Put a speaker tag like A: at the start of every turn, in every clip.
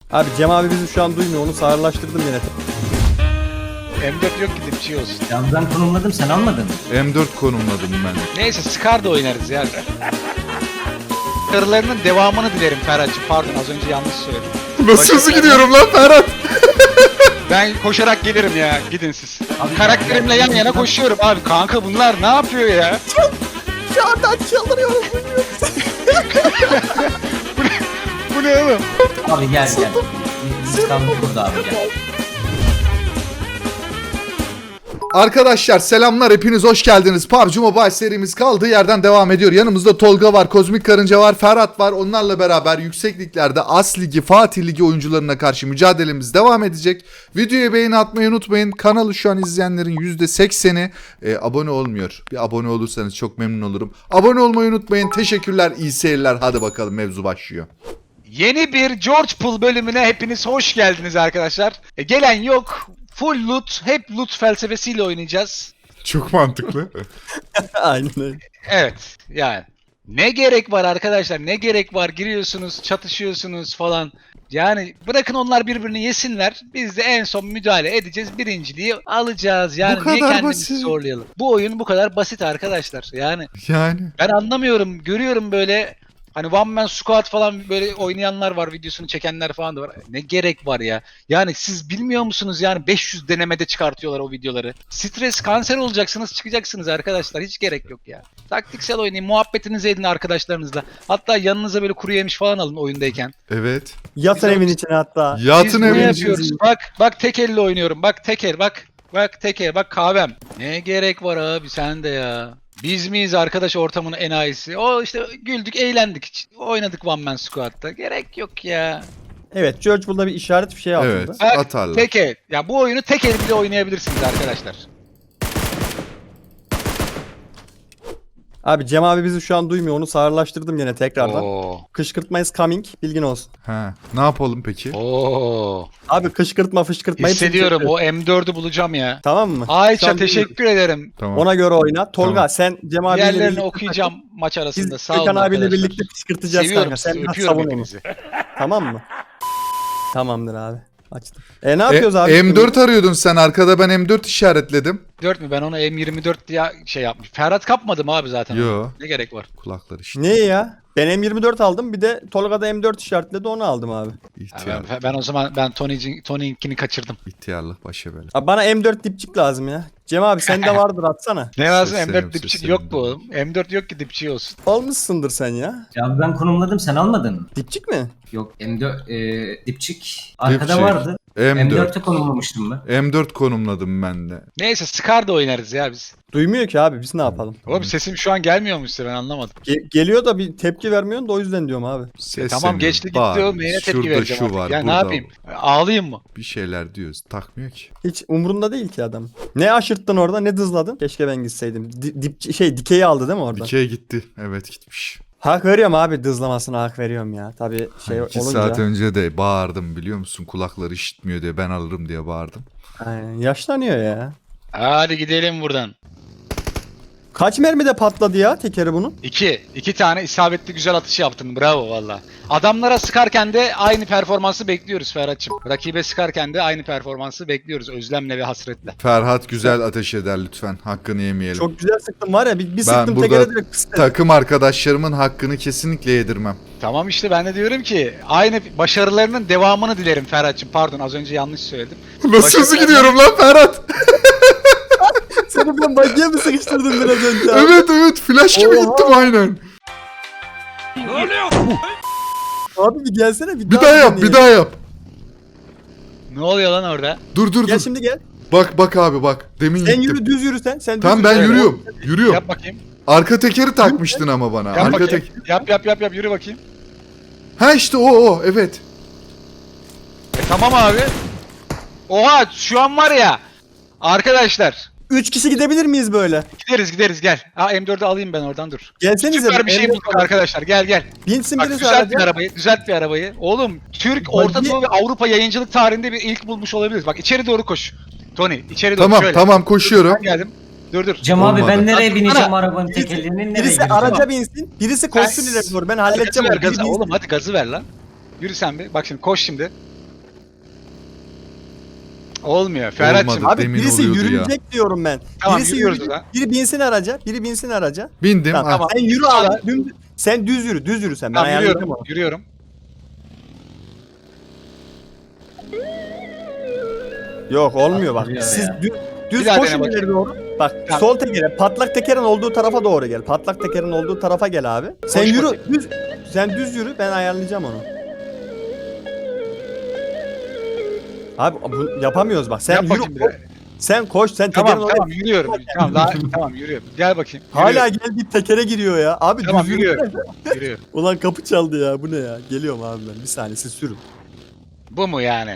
A: Abi Cem abi bizi şu an duymuyor. Onu sağırlaştırdım yine.
B: M4 yok ki dipçi olsun.
C: Ya ben konumladım, sen almadın mı?
D: M4 konumladım ben.
B: Neyse Scar da oynarız ya. Karılarının devamını dilerim Ferhat'cığım. Pardon az önce yanlış söyledim.
D: Nasıl hızlı gidiyorum lan Ferhat?
B: Ben koşarak gelirim ya. Gidin siz.
C: Abi,
B: Karakterimle yan yana koşuyorum abi. Kanka bunlar ne yapıyor ya?
A: Şu anda çıldırıyorum.
B: Bu ne oğlum?
C: Abi gel gel. Biz kaldık burada abi gel.
D: Arkadaşlar selamlar, hepiniz hoş geldiniz. PUBG Mobile serimiz kaldığı yerden devam ediyor. Yanımızda Tolga var, Kozmik Karınca var, Ferhat var. Onlarla beraber yüksek liglerde As Ligi, Fatih Ligi oyuncularına karşı mücadelemiz devam edecek. Videoya beğeni atmayı unutmayın. Kanalı şu an izleyenlerin %80'i abone olmuyor. Bir abone olursanız çok memnun olurum. Abone olmayı unutmayın. Teşekkürler, iyi seyirler. Hadi bakalım, mevzu başlıyor.
B: Yeni bir George Pool bölümüne hepiniz hoş geldiniz arkadaşlar. Gelen yok. Full loot, hep loot felsefesiyle oynayacağız.
D: Çok mantıklı.
A: Aynen öyle.
B: Evet yani. Ne gerek var arkadaşlar, ne gerek var, giriyorsunuz, çatışıyorsunuz falan. Yani bırakın onlar birbirini yesinler. Biz de en son müdahale edeceğiz. Birinciliği alacağız. Yani
D: Bu
B: niye
D: kadar
B: kendimizi
D: basit.
B: zorlayalım? Bu oyun bu kadar basit arkadaşlar. Yani
D: Yani.
B: ben anlamıyorum. Görüyorum böyle hani one man squad falan böyle oynayanlar var. Videosunu çekenler falan da var. Ne gerek var ya? Yani siz bilmiyor musunuz yani 500 denemede çıkartıyorlar o videoları. Stres, kanser olacaksınız, çıkacaksınız arkadaşlar. Hiç gerek yok ya. Taktiksel oynayın, muhabbetinizi edin arkadaşlarınızla. Hatta yanınıza böyle kuru yemiş falan alın oyundayken.
D: Evet.
A: Yatın
B: Biz-
A: evin içine hatta.
B: Biz
D: Yatın
B: bunu
D: evin
B: yapıyoruz.
D: içinde.
B: Bak tek elle oynuyorum. Bak tek el bak. Bak tek el bak kahvem. Ne gerek var abi sen de ya. Biz miyiz arkadaş ortamın enayisi? O işte güldük eğlendik. Oynadık one man squad'da. Gerek yok ya.
A: Evet, George burada bir işaret bir şey altında.
D: Evet.
B: Bak
D: Atarlar.
B: tek el. Ya bu oyunu tek el bile oynayabilirsiniz arkadaşlar.
A: Abi Cem abi bizi şu an duymuyor. Onu sağırlaştırdım yine tekrardan.
B: Oo.
A: Kışkırtma is coming. Bilgin olsun.
D: Ha, ne yapalım peki?
B: Oo.
A: Abi kışkırtma fışkırtma. hepsini
B: Hissediyorum
A: çekiyor.
B: o M4'ü bulacağım ya.
A: Tamam mı? Şu
B: Ayça
A: an duymuyor.
B: teşekkür ederim.
D: Tamam.
A: Ona göre oyna. Tolga
D: Tamam.
A: sen Cem abiyle
B: Diğerlerini
A: birlikte
B: okuyacağım maç arasında.
A: Biz
B: Sağ olun
A: Gökhan abiyle
B: arkadaşlar.
A: birlikte kışkırtacağız
B: Seviyorum
A: kanka. Sen
B: sizi,
A: biraz
B: öpüyorum
A: savun onu.
B: hepinizi.
A: Tamam mı? Tamamdır abi. Açtım. Ne yapıyoruz abi?
D: M4 arıyordun sen, arkada ben M4 işaretledim.
B: 4 mü? Ben onu M24 diye şey yapmış. Ferhat kapmadı mı abi zaten?
D: Yo.
B: Ne gerek var?
D: Kulakları işte.
A: Ne ya? Ben M24 aldım. Bir de Tolga da M4 işaretledi. Onu aldım abi.
B: Ya
D: İhtiyarlık.
B: ben o zaman Tony'inkini kaçırdım.
D: İhtiyarlık başa bela.
A: Abi bana M4 dipçik lazım ya. Cem abi sende vardır atsana.
B: Ne lazım?
D: Seslerim,
B: M4 dipçik
D: seslerim.
B: yok bu oğlum. M4 yok ki dipçik olsun.
A: Almışsındır sen ya.
C: Ya ben konumladım, sen almadın mı?
A: Dipçik mi?
C: Yok, M4 dipçik arkada
D: Dipçik.
C: vardı.
D: M4.
C: M4'e konumlamıştım ben.
D: M4 konumladım ben de.
B: Neyse Scar da oynarız ya biz.
A: Duymuyor ki abi biz ne yapalım?
B: Oğlum sesim şu an gelmiyor mu size ben anlamadım.
A: Geliyor da bir tepki vermiyorsun da o yüzden diyorum abi.
B: Tamam geçti gitti oğlum neyine tepki
D: Şurada
B: vereceğim
D: şu
B: artık.
D: var,
B: Ya ne
D: burada
B: yapayım? Ağlayayım mı?
D: bir şeyler diyoruz. Takmıyor ki.
A: Hiç umurunda değil ki adam. Ne aşırttın orada ne dızladın? Keşke ben gitseydim. Dikeyi aldı değil mi orada?
D: Dikey gitti. Evet, gitmiş.
A: Hak veriyorum abi dızlamasına hak veriyorum ya. Tabii şey
D: 2
A: olunca.
D: saat önce de bağırdım, biliyor musun? Kulakları işitmiyor diye, ben alırım diye bağırdım.
A: Aynen, yaşlanıyor ya.
B: Hadi gidelim buradan.
A: Kaç mermide patladı ya tekeri bunun?
B: İki tane isabetli güzel atış yaptın. Bravo valla. Adamlara sıkarken de aynı performansı bekliyoruz Ferhat'cığım. Rakibe sıkarken de aynı performansı bekliyoruz özlemle ve hasretle.
D: Ferhat güzel ateş eder lütfen. Hakkını yemeyelim.
A: Çok güzel sıktım var ya bir
D: ben
A: sıktım
D: burada
A: tekere direkt pıs dedi.
D: takım arkadaşlarımın hakkını kesinlikle yedirmem.
B: Tamam işte ben de diyorum ki aynı başarılarının devamını dilerim Ferhat'cığım. Pardon az önce yanlış söyledim.
D: Nasıl hızlı gidiyorum lan Ferhat?
A: Seni ben bagiye mi sıkıştırdım biraz önce abi?
D: Evet, flash gibi
A: Oha.
D: gittim aynen.
A: Abi bir gelsene
D: Bir daha yap, bir daha yap.
B: Ne oluyor lan orada?
D: Dur
A: Gel
D: dur.
A: şimdi gel.
D: Bak abi bak. Demin
A: Sen
D: gittim.
A: yürü düz yürü sen. Sen
D: Tamam
A: düz
D: ben
A: yürü.
D: yürüyorum. Yürüyorum.
B: Yap bakayım.
D: Arka tekeri takmıştın ama bana.
B: Yap
D: Arka
B: bakayım.
D: tek.
B: Yap yürü bakayım.
D: Ha işte o evet.
B: Tamam abi. Oha şu an var ya. Arkadaşlar
A: 3 kişi gidebilir miyiz böyle?
B: gideriz gel. M4'ü alayım ben oradan dur.
A: Gelsenize.
B: Süper bir şey bulduk arkadaşlar gel.
A: Binsin
B: Bak
A: birisi
B: düzelt bir arabayı. Oğlum Türk, Orta Doğu ve Avrupa yayıncılık tarihinde bir ilk bulmuş olabiliriz. Bak içeri doğru koş. Tony içeri doğru
D: Tamam
B: şöyle.
D: tamam koşuyorum.
B: Ben geldim. Dur.
C: Cem abi ben
D: Olmadı.
C: nereye bineceğim
B: Ana.
C: arabanın tekerlerinin nereye
A: Birisi
C: gireceğim?
A: araca binsin. Birisi koşsun ileri doğru. Ben halledeceğim.
B: Gazı ver
A: Biri
B: gazı.
A: binsin.
B: Oğlum hadi gazı ver lan. Yürü sen bir. Bak şimdi koş şimdi. Olmuyor. Ferhat'cığım.
D: Olmadı.
A: Abi
D: Demin
A: birisi
D: oluyordu
A: yürüyecek diyorum ben.
B: Tamam,
A: Birisi
B: yürüyoruz
A: yürüyecek.
B: lan.
A: Biri binsin araca. Biri binsin araca.
D: Bindim.
A: Tamam.
D: Ha.
A: Sen yürü abi. Sen düz yürü. Düz yürü sen. Ben
B: Tamam,
A: ayarlayacağım
B: yürüyorum.
A: onu.
B: Yürüyorum.
A: Yok olmuyor bak.
C: Atılıyor
A: Siz
C: ya.
A: düz
B: Bir daha
A: koşun
B: dene bakayım.
A: ileri doğru. Bak
B: Tamam.
A: sol tekere, patlak tekerin olduğu tarafa doğru gel. Patlak tekerin olduğu tarafa gel abi. Sen
B: Koş
A: yürü
B: bakayım.
A: düz. Sen düz yürü ben ayarlayacağım onu. Abi bu yapamıyoruz bak. Sen
B: Yap
A: yürü.
B: bakayım bir daha.
A: Sen koş. Sen tekerin
B: Tamam
A: oraya.
B: tamam yürüyorum. Tamam daha tamam yürüyorum. Gel bakayım.
A: Hala
B: Yürüyorum.
A: geldi tekere giriyor ya. Abi
B: Tamam
A: düz yürü.
B: yürüyorum. Yürüyorum.
A: Ulan kapı çaldı ya. Bu ne ya? Geliyorum abi ben. Bir saniye siz sürün.
B: Bu mu yani?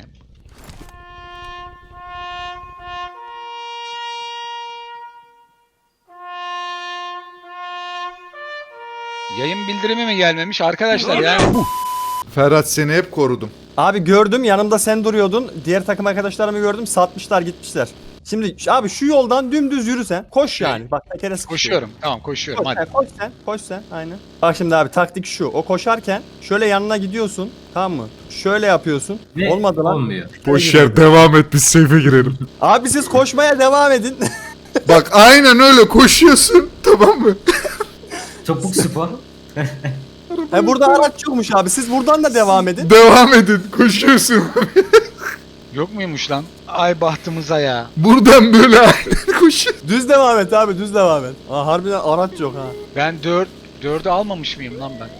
B: Yayın bildirimi mi gelmemiş arkadaşlar yani?
D: Ferhat seni hep korudum.
A: Abi gördüm yanımda sen duruyordun. Diğer takım arkadaşlarımı gördüm. Satmışlar gitmişler. Şimdi abi şu yoldan dümdüz yürü sen. Koş yani. Bak tekere sıkışıyor.
B: Koşuyorum. Tamam koşuyorum
A: Koş
B: hadi.
A: sen, koş sen, koş sen, aynen. Bak şimdi abi taktik şu. O koşarken şöyle yanına gidiyorsun, tamam mı? Şöyle yapıyorsun.
C: Ve
A: Olmadı lan.
C: olmuyor.
D: Boşver devam et biz safe'e girelim.
A: Abi siz koşmaya devam edin.
D: Bak aynen öyle koşuyorsun tamam mı?
C: Topuk spor.
A: Burada araç yokmuş abi. Siz buradan da devam edin.
D: Devam edin koşuyorsun.
B: Yok muymuş lan? Ay bahtımıza ya.
D: Buradan böyle aynen koşuyorsun.
A: Düz devam et abi, düz devam et. Aa, harbiden araç yok ha.
B: Ben 4'ü almamış mıyım lan ben?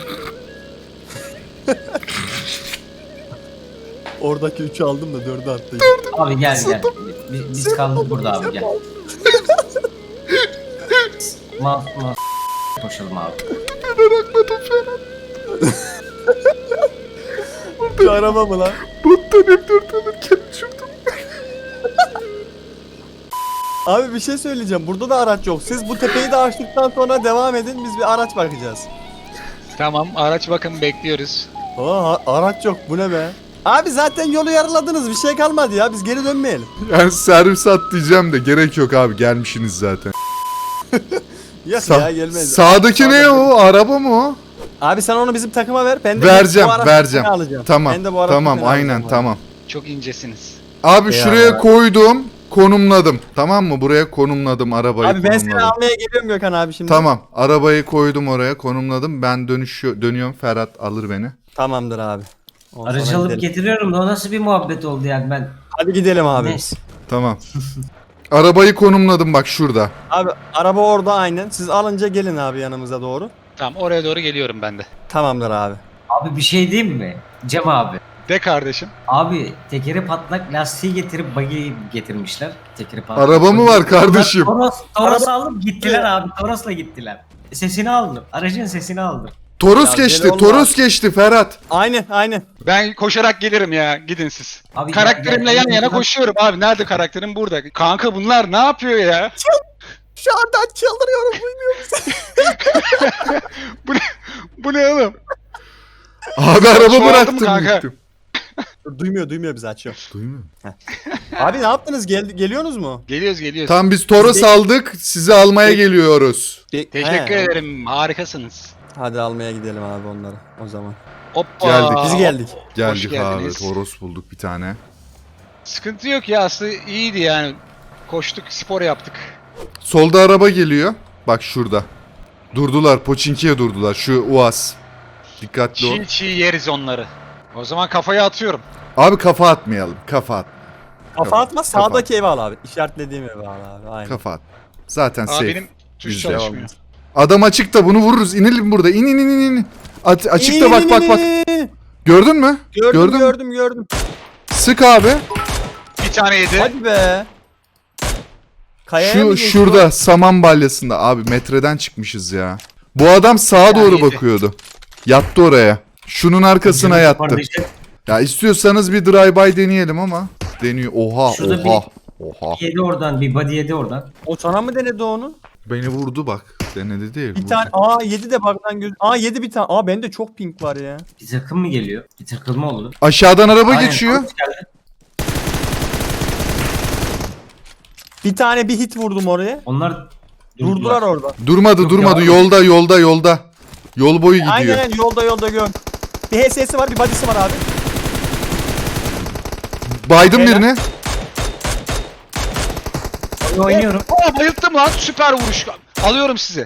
A: Oradaki 3'ü aldım da 4'ü attım.
C: Abi gel gel. Biz kaldık burada abi gel. Ma koşalım abi.
A: Bu araba mı lan?
D: Bottan hep dört alırken uçurdum.
A: Abi bir şey söyleyeceğim. Burada da araç yok. Siz bu tepeyi de açtıktan sonra devam edin. Biz bir araç bakacağız.
B: Tamam araç bakın bekliyoruz.
A: Aa, araç yok. Bu ne be? Abi zaten yolu yarıladınız. Bir şey kalmadı ya. Biz geri dönmeyelim.
D: Yani servis at diyeceğim de gerek yok abi gelmişsiniz zaten.
A: Yok
D: Sa-
A: ya gelmez.
D: Sağdaki ne o? Araba mı o?
A: Abi sen onu bizim takıma ver. Ben de
D: Vereceğim,
A: bu araç
D: vereceğim.
A: takımını alacağım.
D: Tamam.
A: Ben de bu araç
D: Tamam
A: takımını
D: aynen
A: alacağım abi.
D: tamam.
B: Çok incesiniz.
D: Abi
A: Ya.
D: şuraya koydum, konumladım. Tamam mı? Buraya konumladım arabayı.
A: Abi ben seni
D: konumladım.
A: almaya geliyorum Gökhan abi şimdi.
D: Tamam. Arabayı koydum oraya, konumladım. Ben dönüyorum. Ferhat alır beni.
A: Tamamdır abi. Ondan
C: Aracı
A: sonra
C: alıp
A: gidelim.
C: getiriyorum da o nasıl bir muhabbet oldu yani ben.
A: Hadi gidelim abi.
C: Ne?
A: biz.
D: Tamam. Arabayı konumladım bak şurada.
A: Abi araba orada aynen. Siz alınca gelin abi yanımıza doğru.
B: Tamam oraya doğru geliyorum ben de.
A: Tamamdır abi.
C: Abi bir şey diyeyim mi? Cem abi.
B: De kardeşim.
C: Abi tekeri patlak lastiği getirip buggy getirmişler. Tekeri patlak.
D: Araba mı var kardeşim?
C: Toros alıp gittiler abi. Toros'la gittiler. Sesini aldım. Aracın sesini aldım.
D: Toros
A: Ya
D: geçti.
A: deli olma.
D: Toros geçti Ferhat.
A: Aynen.
B: Ben koşarak gelirim ya. Gidin siz.
C: Abi
B: Karakterimle yan yana koşuyorum abi. Nerede karakterim? Burada. Kanka bunlar ne yapıyor ya?
A: Şu anda çıldırıyorum. Duymuyor musun?
B: Bu ne oğlum?
D: Abi araba
B: Çoğaldı mı
D: bıraktım
B: kanka?
D: gittim.
A: Duymuyor bizi açıyor.
D: Duymuyor.
A: Abi ne yaptınız? Geliyorsunuz mu?
B: Geliyoruz.
D: Tamam biz Toros aldık. Sizi almaya geliyoruz.
B: Teşekkür
A: He,
B: ederim. Harikasınız.
A: Hadi almaya gidelim abi onları o zaman.
B: Hoppa.
D: Geldik.
A: Biz geldik.
D: Geldik abi.
B: geldiniz.
D: Toros bulduk bir tane.
B: Sıkıntı yok ya aslında iyiydi yani. Koştuk, spor yaptık.
D: Solda araba geliyor. Bak şurada. Durdular. Poçinki'ye durdular. Şu Uaz. Dikkatli ol.
B: Çiğ yeriz onları. O zaman kafaya atıyorum.
D: Abi kafa atmayalım. Kafa at.
A: Kafa atma
D: Kafa.
A: sağdaki evi al abi. İşaretlediğim evi al abi. Aynen.
D: Kafa at. Zaten
B: Aa
D: safe.
B: benim tuş
D: Bizde.
B: çalışmıyor.
D: Adam açıkta bunu vururuz. İnelim burada. İn. Açıkta bak. Gördün mü? Gördün mü?
A: Gördüm.
D: Sık abi.
B: Bir tane yedi.
A: Hadi be. Kayaya mı
D: Şu
A: geçti
D: şurada saman balyasında. Abi metreden çıkmışız ya. Bu adam sağa doğru
B: yedi.
D: bakıyordu. Yattı oraya. Şunun arkasına yattı. Ya istiyorsanız bir drive-by deneyelim ama. Deniyor. Oha.
C: Şurada
D: Oha.
C: Yedi oradan bir body yedi oradan.
A: O sana mı denedi onu?
D: Beni vurdu bak. Denedi değil.
A: Bir
D: vurdu.
A: tane. 7 de baktan göz. 7 bir tane. Bende çok pink var ya.
C: Bir takım mı geliyor? Bir takılma oldu.
D: Aşağıdan araba
C: Aynen,
D: geçiyor.
C: Toros geldi.
A: Bir tane bir hit vurdum oraya.
C: Onlar
A: Durdular orada.
D: Durmadı.
C: ya.
D: Yolda. Yol boyu gidiyor.
A: Aynen yolda gör. Bir HS'si var bir body'si var abi.
D: Baydım
A: Helal.
D: birini.
C: Oynuyorum.
B: Aa, bayılttım lan, süper vuruş. Alıyorum sizi.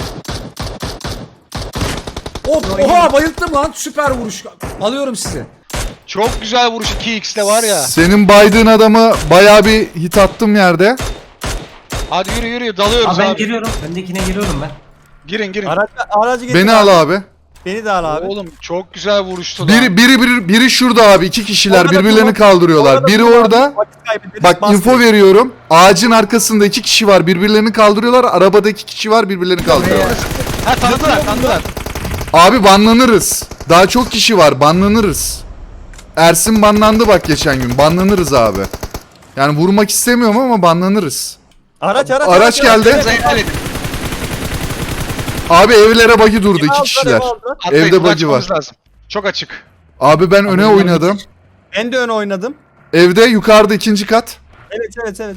E: Oha bayılttım lan. Süper vuruş. Alıyorum sizi.
B: Çok güzel vuruş 2x'te var ya.
D: Senin baydığın adamı bayağı bir hit attım yerde.
B: Hadi yürü dalıyoruz
C: Abi ben
B: abi.
C: giriyorum. Öndekine giriyorum ben.
B: Girin.
A: Aracı getir
D: Beni al abi.
A: Beni de al abi.
B: Oğlum çok güzel vuruştu lan.
D: Biri şurada abi. 2 kişiler
A: Orada
D: birbirlerini
A: dur,
D: kaldırıyorlar.
A: Orada
D: Biri
A: dur abi,
D: orada.
A: vakit kaybederiz,
D: Bak
A: bas
D: info
A: direkt.
D: veriyorum. Ağacın arkasında 2 kişi var. Birbirlerini kaldırıyorlar. Arabada 2 kişi var. Birbirlerini kaldırıyorlar.
B: Ha, tanıdılar.
D: Abi banlanırız. Daha çok kişi var. Banlanırız. Ersin banlandı bak geçen gün. Banlanırız abi. Yani vurmak istemiyorum ama banlanırız.
A: Araç
D: geldi.
B: Helal edin.
D: Abi evlere bug'i durdu.
A: Evi
D: 2
A: aldılar,
D: kişiler.
A: evi aldılar.
B: Atlayın,
D: Evde
B: bunu
D: bug'i var.
B: açmamız lazım. Çok açık.
D: Abi ben öne oynadım.
A: Ben de öne oynadım.
D: Evde yukarıda 2. kat.
A: Evet.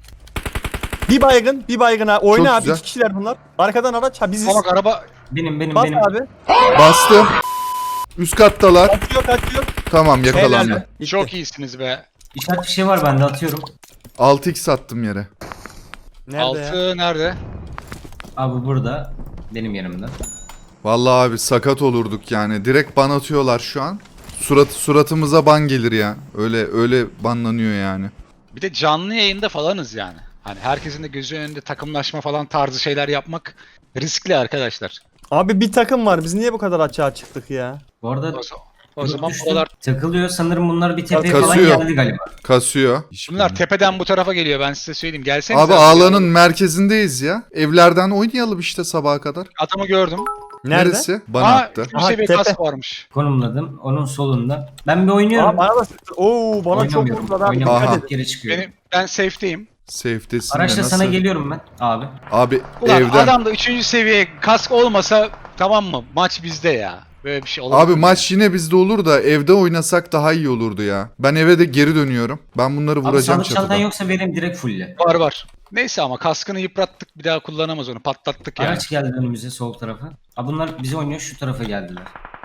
A: Bir baygın ha. Oyna
D: Çok
A: abi.
D: güzel.
A: 2 kişiler bunlar. Arkadan araç. Ha biziz.
B: Ama bak araba
C: Benim.
A: Bas abi.
D: Bastım. Üst kattalar.
A: Kaçıyor.
D: Tamam
A: Helal
D: yakalandı.
A: be. Bitti.
B: çok iyisiniz be.
C: İşaret bir şey var bende atıyorum.
D: 6x attım yere.
A: Nerede ya?
B: Altı nerede?
C: Abi burada. Benim yanımda.
D: Vallahi abi sakat olurduk yani. Direkt ban atıyorlar şu an. Suratımıza ban gelir ya. Öyle banlanıyor yani.
B: Bir de canlı yayında falanız yani. Hani herkesin de gözü önünde takımlaşma falan tarzı şeyler yapmak riskli arkadaşlar.
A: Abi bir takım var. Biz niye bu kadar açığa çıktık ya?
C: Bu arada
B: O zaman
C: düştüm.
B: buralar,
C: Takılıyor sanırım bunlar bir tepeye falan
D: Kasıyor.
C: geldi galiba.
D: Kasıyor.
B: bunlar tepeden bu tarafa geliyor, ben size söyleyeyim. Gelsenize.
D: Abi ağlanın merkezindeyiz ya. Evlerden oynayalım işte sabaha kadar.
B: Adamı gördüm.
A: Nerede?
D: Neresi? Bana
B: Aa,
D: attı.
B: 3
A: Aha,
B: seviye
A: tepe.
B: kask varmış.
C: Konumladım. Onun solunda. Ben bir oynuyorum.
A: Aa, bana da sıktı. Oo bana çok
C: Oynamıyorum.
A: vurdular abi.
C: Oynamıyorum.
A: Dikkat
D: Aha.
A: edin.
C: Geri çıkıyorum.
B: Ben safe'teyim.
D: Safe'desin de
C: Araçla sana
D: nasıl?
C: geliyorum ben abi.
D: Abi
B: Ulan
D: evden.
B: adamda 3. seviye kask olmasa tamam mı? Maç bizde ya. Böyle bir şey olur.
D: Abi maç yine bizde olur da evde oynasak daha iyi olurdu ya. Ben eve de geri dönüyorum. Ben bunları
C: Abi
D: vuracağım
C: sağlık çantan
D: çatıdan.
C: yoksa vereyim direkt fulle.
B: Var. Neyse ama kaskını yıprattık, bir daha kullanamaz onu. Patlattık yani.
C: Araç geldi önümüze sol tarafa. Abi bunlar bize oynuyor şu tarafa geldiler.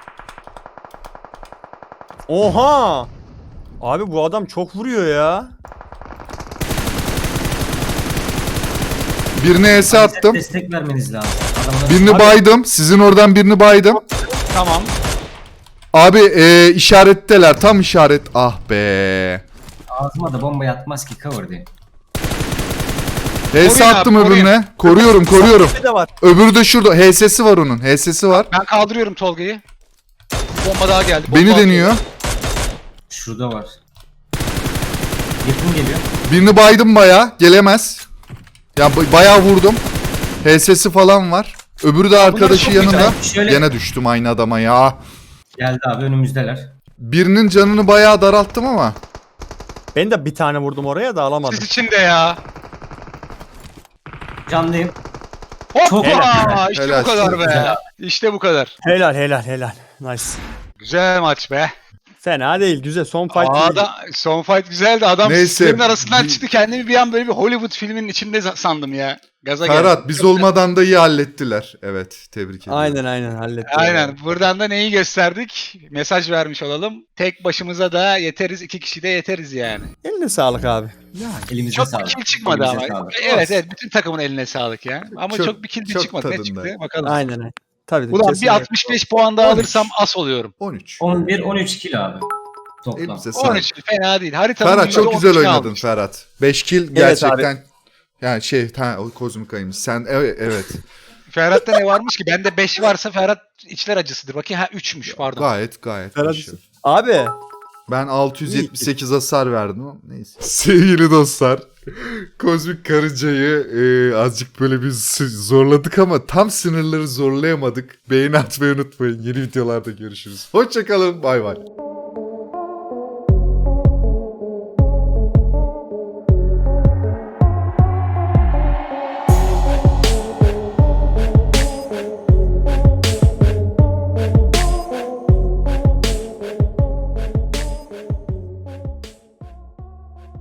A: Oha! Abi bu adam çok vuruyor ya.
D: Birine ES attım.
C: Destek vermeniz lazım. Adamlar
D: Birini
A: Abi-
D: baydım. Sizin oradan birini baydım.
B: Tamam.
D: Abi işaretteler. Tam işaret. Ah be.
C: ağzıma da bomba yatmaz ki cover diye.
D: HS
B: Koruyun
D: attım
B: abi, koruyun.
D: öbürüne. Koruyorum.
A: Bir de var.
D: Öbürü de şurada. HS'si var onun. HS'si var.
B: Ben kaldırıyorum Tolga'yı. Bomba daha geldi. Bomba
D: Beni
B: atıyor.
D: deniyor.
C: Şurada var. Yakın geliyor.
D: Birini baydım baya. Gelemez. Ya bayağı vurdum. HS'si falan var. Öbürü de arkadaşı
B: çok
D: yanında.
C: güzel. Şöyle-
D: Gene düştüm aynı adama ya.
C: Geldi abi önümüzdeler.
D: Birinin canını bayağı daralttım ama.
A: Ben de bir tane vurdum oraya da alamadım.
B: Siz için de ya.
C: Canlıyım.
B: Hoppa!
A: Helal.
B: İşte
D: Helal.
B: bu kadar
C: Çok
B: be.
C: güzel.
B: İşte bu kadar.
A: Helal. Nice.
B: Güzel maç be.
A: Fena değil. Güzel. Son fight.
B: Son fight güzeldi. Adam
D: Neyse,
B: filmin arasından
D: bir-
B: çıktı. Kendimi bir an böyle bir Hollywood filminin içinde sandım ya. Gaza geldim.
D: Ferhat biz
B: Çok güzel.
D: olmadan da iyi hallettiler. Evet tebrik ederim.
A: Aynen hallettim.
B: Aynen. Buradan da neyi gösterdik? Mesaj vermiş olalım. Tek başımıza da yeteriz. 2 kişi de yeteriz yani.
A: Eline sağlık abi.
C: Elimize
B: Çok
C: sağlık.
B: bir kill çıkmadı
C: Elimize
B: ama.
C: sağlık.
B: Evet. Bütün takımın eline sağlık yani. Ama
D: Çok-
B: çok bir kill de
D: çok
B: çıkmadı. Ne
D: tadında.
B: çıktı? Bakalım.
A: Aynen. Tabii.
B: Ulan bir
A: kesinlikle.
B: 65 puan daha
D: 13.
B: alırsam as oluyorum.
D: 13.
C: 11-13 kill abi. Toplam.
D: Elimize sağlık.
B: 13 fena değil. Haritanın
D: Ferhat çok
B: yüzde
D: güzel
B: 13'ünü
D: oynadın
B: almış.
D: Ferhat. 5 kill
A: Evet
D: gerçekten. Yani o kozmik ayımız. Sen evet.
B: Ferhat'ta ne varmış ki? Bende 5 varsa Ferhat içler acısıdır. Bakayım ha 3'müş pardon.
D: Gayet.
A: Ferhat-
D: başarılı.
A: Abi.
D: Ben 678 hasar verdim ama neyse. Sevgili dostlar. Kozmik karıncayı azıcık böyle bir zorladık ama tam sınırları zorlayamadık. Beğeni atmayı unutmayın. Yeni videolarda görüşürüz. Hoşçakalın. Bay bay.